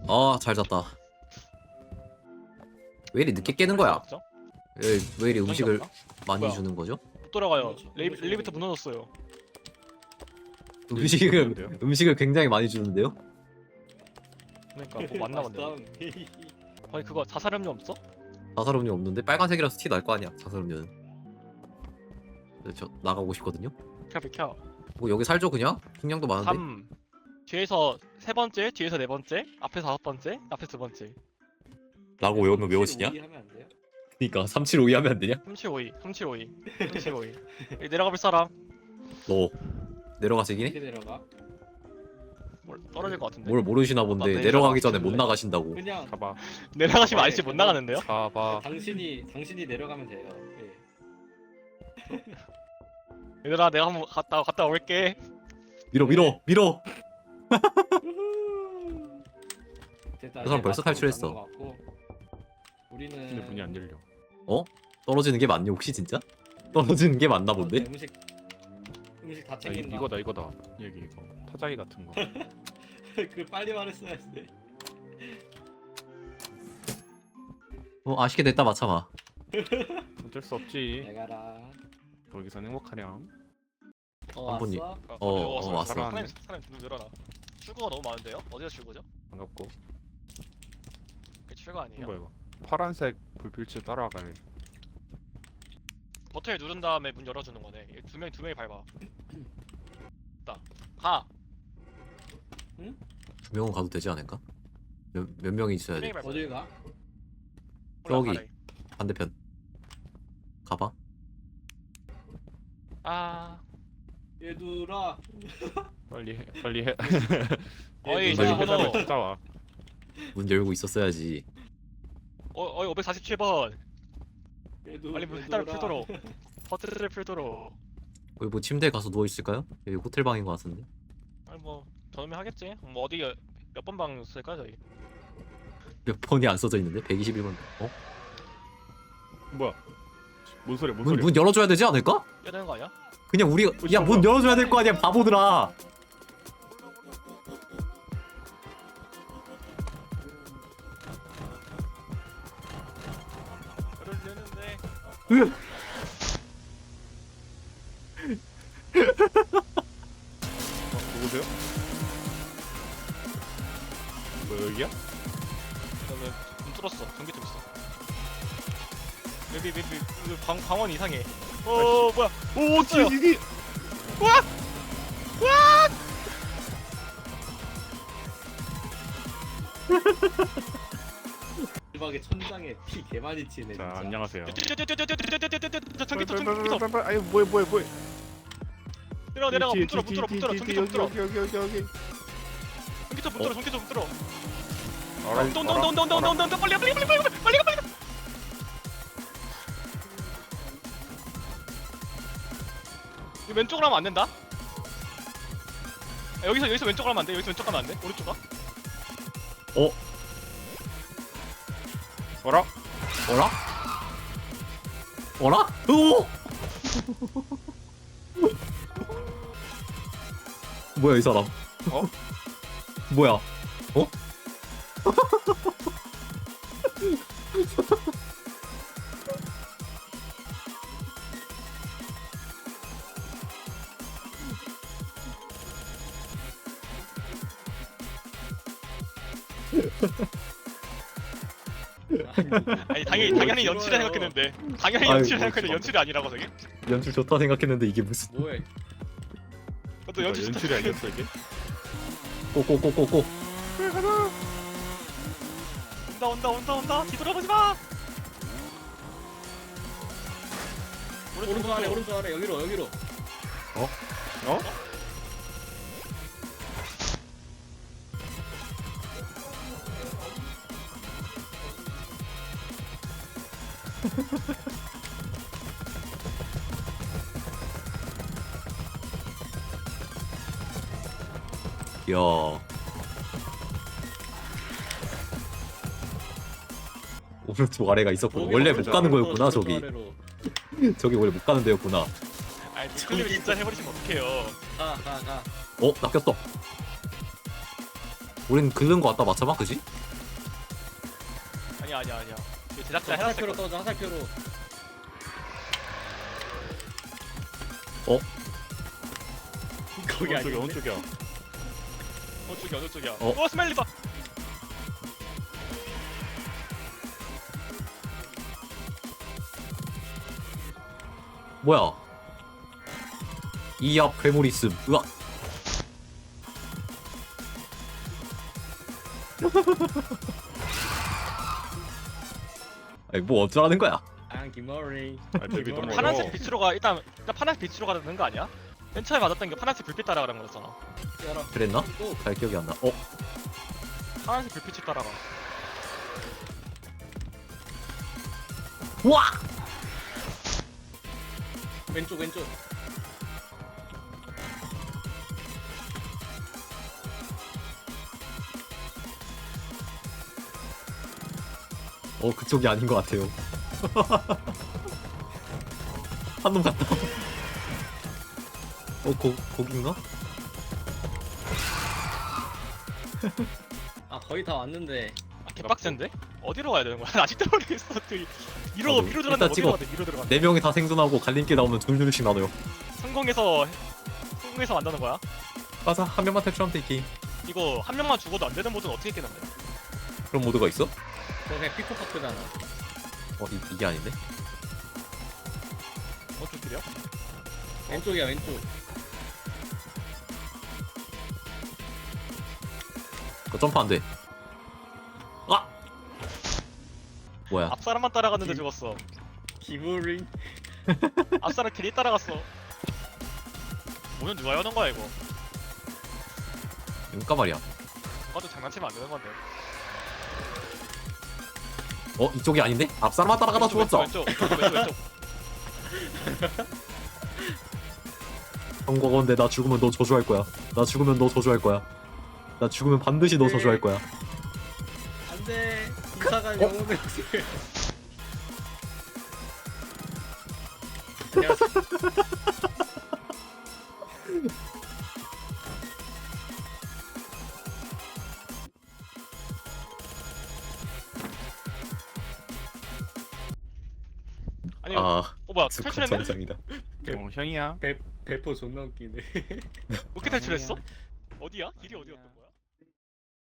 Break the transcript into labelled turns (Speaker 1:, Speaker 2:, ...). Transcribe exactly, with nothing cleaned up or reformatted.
Speaker 1: 아, 잘 잤다. 왜 이리 늦게 깨는 거야?
Speaker 2: 없죠?
Speaker 1: 왜, 왜 이리 음식을
Speaker 2: 없나?
Speaker 1: 많이
Speaker 2: 뭐야?
Speaker 1: 주는 거죠?
Speaker 2: 못 돌아가요.
Speaker 3: 그렇죠.
Speaker 2: 레이,
Speaker 3: 그렇죠.
Speaker 2: 엘리베이터 무너졌어요.
Speaker 1: 음식을
Speaker 4: 그런데요?
Speaker 1: 음식을 굉장히 많이 주는데요?
Speaker 2: 그러니까 뭐 맞나 본데.
Speaker 3: 맛있다.
Speaker 2: 아니 그거 자살음료 없어?
Speaker 1: 자살음료 없는데 빨간색이라서 티 날 거 아니야. 자살음료는. 네, 저 나가고 싶거든요.
Speaker 2: 켜 비켜.
Speaker 1: 뭐 여기 살죠 그냥? 식량도 많은데.
Speaker 2: 삼. 뒤에서 세 번째, 뒤에서 네 번째, 앞에서 다섯 번째, 앞에서 두 번째.
Speaker 1: 라고 외우면 외워지냐?
Speaker 3: 오이 하면 안 돼요?
Speaker 1: 그니까 삼칠오이 하면 안 되냐?
Speaker 2: 삼칠오이, 삼칠오이, 삼칠오이. 여기 내려가 볼 사람?
Speaker 1: 너 내려가시긴 해?
Speaker 3: 어떻게 내려가?
Speaker 2: 뭘 떨어질 것 같은데.
Speaker 1: 뭘 모르시나 본데
Speaker 2: 나 내려가-
Speaker 1: 내려가기 전에 못 나가신다고.
Speaker 3: 그냥
Speaker 4: 가봐
Speaker 2: 내려가시면 아저씨 못 나가는데요?
Speaker 4: 가봐
Speaker 3: 당신이 당신이 내려가면 돼요. 예.
Speaker 2: 얘들아 내가 한번 갔다 갔다 올게.
Speaker 1: 밀어 밀어 밀어.
Speaker 3: 됐다.
Speaker 1: 그 사람
Speaker 3: 이제
Speaker 1: 벌써
Speaker 3: 마스터로
Speaker 1: 탈출했어.
Speaker 3: 잡은 것 같고. 우리는
Speaker 4: 근데 문이 안 열려
Speaker 1: 떨어지는 게 맞니 혹시 진짜? 떨어지는 게 맞나 본데?
Speaker 3: 어, 음식 음식 다
Speaker 4: 아, 이,
Speaker 3: 챙긴다.
Speaker 4: 이거다 이거다 여기 이거 타자기 같은 거
Speaker 3: 그 빨리 말했어야지.
Speaker 1: 어 아쉽게 됐다 마참아.
Speaker 4: 어쩔 수 없지
Speaker 3: 내가라.
Speaker 4: 거기서 행복하렴
Speaker 3: 어,
Speaker 1: 한 분이-
Speaker 3: 왔어?
Speaker 1: 어, 어, 왔어.
Speaker 2: 사람 사람 좀 늘어나. 출구가 너무 많은데요? 어디가 출구죠?
Speaker 4: 반갑고
Speaker 2: 그 출구 아니에요?
Speaker 4: 뭐야 이거 파란색 불빛을 따라가네
Speaker 2: 버튼을 누른 다음에 문 열어주는 거네. 이두 명이 두 명이 밟아. 나 가.
Speaker 1: 두 명은 가도 되지 않을까? 몇, 몇 명이 있어야
Speaker 2: 두 명이
Speaker 1: 돼?
Speaker 2: 밟아.
Speaker 3: 어딜 가?
Speaker 1: 저기.
Speaker 2: 올라가래.
Speaker 1: 반대편. 가봐.
Speaker 2: 아.
Speaker 3: 얘들아.
Speaker 4: 빨리 해 빨리 해
Speaker 2: 어이
Speaker 1: 빨리
Speaker 2: 전화번호.
Speaker 4: 찾아와
Speaker 1: 문 열고 있었어야지.
Speaker 2: 어 어이 오백사십칠 번.
Speaker 3: 얘들,
Speaker 2: 빨리 문
Speaker 3: 얘들아.
Speaker 2: 페달을 풀도록. 버튼을 풀도록.
Speaker 1: 여기 뭐 침대에 가서 누워 있을까요? 여기 호텔 방인 것 같은데.
Speaker 2: 아니 뭐 저놈이 하겠지. 뭐 어디 몇 번 방 쓸까 저희.
Speaker 1: 몇 번이 안 써져 있는데? 백이십일 번. 어?
Speaker 4: 뭐야 뭔 소리야 뭔
Speaker 1: 문,
Speaker 4: 소리야
Speaker 1: 문 열어줘야 되지 않을까?
Speaker 2: 해야 되는 거 아니야?
Speaker 1: 그냥 우리가 야 문 열어줘야 될 거 아니야 바보들아.
Speaker 2: 열어주는데.
Speaker 4: 어, 누구세요? 뭐 여기야?
Speaker 2: 그다음에 문 뚫었어. 전기통 있어. 여기 여기 여기 여기 방 방원 이상해. 어 뭐야?
Speaker 4: 오
Speaker 2: 떴어요.
Speaker 4: 뒤뒤
Speaker 3: 대박의 천장에 피 개 많이 튀네.
Speaker 4: 자
Speaker 3: 진짜.
Speaker 4: 안녕하세요
Speaker 2: 전기통 전기통 전기통.
Speaker 4: 아유 뭐야 뭐야 뭐야
Speaker 2: 내려가 내려가 문 뚫어 문 뚫어 문 뚫어
Speaker 4: 뒤, 뒤,
Speaker 2: 전기통 문 뚫어.
Speaker 4: 여기 여기 여기 여기
Speaker 2: 전기통 문 뚫어 전기통 문 뚫어.
Speaker 4: 알아,
Speaker 2: 온다 온다 온다 온다 온다 온다 온다 빨리 가 빨리 가 빨리 가 빨리 가 빨리 가. 이 왼쪽으로 하면 안 된다. 아, 여기서 여기서 왼쪽으로 하면 안 돼. 여기서 왼쪽 가면 안 돼. 오른쪽 가.
Speaker 4: 어라?
Speaker 1: 어라? 어라? 오! 뭐야 이 사람?
Speaker 4: 어?
Speaker 1: 뭐야? 어?
Speaker 2: 아니 당연히 당연히 연출을 생각했는데 당연히
Speaker 1: 아이고,
Speaker 2: 연출을 생각했는데 연출이 아니라고 저게.
Speaker 1: 연출 좋다 생각했는데 이게 무슨
Speaker 3: 뭐해?
Speaker 2: 그것도 연출 좋다
Speaker 4: 연출이 아니었어 이게?
Speaker 1: 꼬꼬꼬꼬꼬.
Speaker 2: 온다 온다 온다 온다 뒤돌아보지 마.
Speaker 3: 오른쪽 아래 오른쪽 아래 여기로 여기로.
Speaker 4: 어?
Speaker 1: 야. 오른쪽 아래가 있었구나. 원래 못 가는 거였구나 저기. 저기 원래 못 가는 데였구나.
Speaker 2: 아니 클립 진짜 해버리시면 어떡해요.
Speaker 3: 가가 가.
Speaker 1: 어? 낚였어. 우린 긁는 거 같다 맞춰봐 그지?
Speaker 2: 아니야 아니야 아니야. 이거 제작자
Speaker 3: 화살표로
Speaker 2: 해놨을
Speaker 3: 떠줘 화살표로.
Speaker 1: 어?
Speaker 3: 거기
Speaker 4: 어느 쪽이야
Speaker 3: 아니야.
Speaker 4: 어느 쪽이야
Speaker 2: 어느 쪽이야 어느 쪽이야.
Speaker 1: 어?
Speaker 2: 어 스멜리다.
Speaker 1: 뭐야 이압 괴물 있음 으악 아니 뭐 어쩌라는 거야
Speaker 3: 아 김머리.
Speaker 4: 아 집이 너무
Speaker 2: 파란색
Speaker 4: 어려워
Speaker 2: 빛으로 가 일단 일단 파란색 빛으로 가는 거 아니야? 맨 처음에 맞았던 게 파란색 불빛 따라가는 거였잖아.
Speaker 3: 열어.
Speaker 1: 그랬나?
Speaker 3: 또
Speaker 1: 잘 기억이 안나 어?
Speaker 2: 파란색 불빛이 따라가.
Speaker 1: 우와!
Speaker 3: 왼쪽 왼쪽.
Speaker 1: 어 그쪽이 아닌 것 같아요 한 놈 갔다 어 거, 거긴가?
Speaker 3: 아 거의 다 왔는데.
Speaker 2: 아 개빡센데? 어디로 가야 되는 거야? 아직도 모르겠어. 그 위로
Speaker 1: 나도
Speaker 2: 위로
Speaker 1: 일단
Speaker 2: 들어갔는데 어디로
Speaker 1: 찍어.
Speaker 2: 가야 돼? 위로 들어갔.
Speaker 1: 네 명이 다 생존하고 갈림길 나오면 둘둘씩 나눠요
Speaker 2: 성공해서 성공해서 만드는 거야?
Speaker 1: 맞아 한 명만 탈출하면 돼 이 게임
Speaker 2: 이거 한 명만 죽어도 안 되는 모드는 어떻게 깨는데?
Speaker 1: 그런 모드가 있어?
Speaker 3: 그거 그냥 피코파크잖아.
Speaker 1: 어 이, 이게 아닌데?
Speaker 2: 어떻게 길이야?
Speaker 3: 왼쪽이야 왼쪽.
Speaker 1: 그거 점프 안돼 아! 뭐야
Speaker 2: 앞 사람만 따라갔는데
Speaker 3: 기-
Speaker 2: 죽었어.
Speaker 3: 기브링.
Speaker 2: 앞 사람 길이 따라갔어. 오늘 누가 여는 거야 이거?
Speaker 1: 그니까 말이야
Speaker 2: 아까도 장난치면 안 되는 건데.
Speaker 1: 어 이쪽이 아닌데? 앞사람만 따라가다 죽었어
Speaker 2: 왼쪽 왼쪽 왼쪽 왼쪽.
Speaker 1: 형과건데 나 죽으면 너 저주할 거야 나 죽으면 너 저주할 거야 나 죽으면 반드시 너
Speaker 3: 네.
Speaker 1: 저주할 거야
Speaker 3: 안돼. 이사가
Speaker 1: 어?
Speaker 3: 영혼의 안녕하세요.
Speaker 2: 아니
Speaker 1: 아
Speaker 2: 어 뭐야
Speaker 1: 스쿼트
Speaker 2: 탈출했네?
Speaker 1: 정상이다
Speaker 4: 어 형이야
Speaker 3: 배 배포 존나 웃기네.
Speaker 2: 어떻게 탈출했어? 어디야? 길이 어디였던 거야?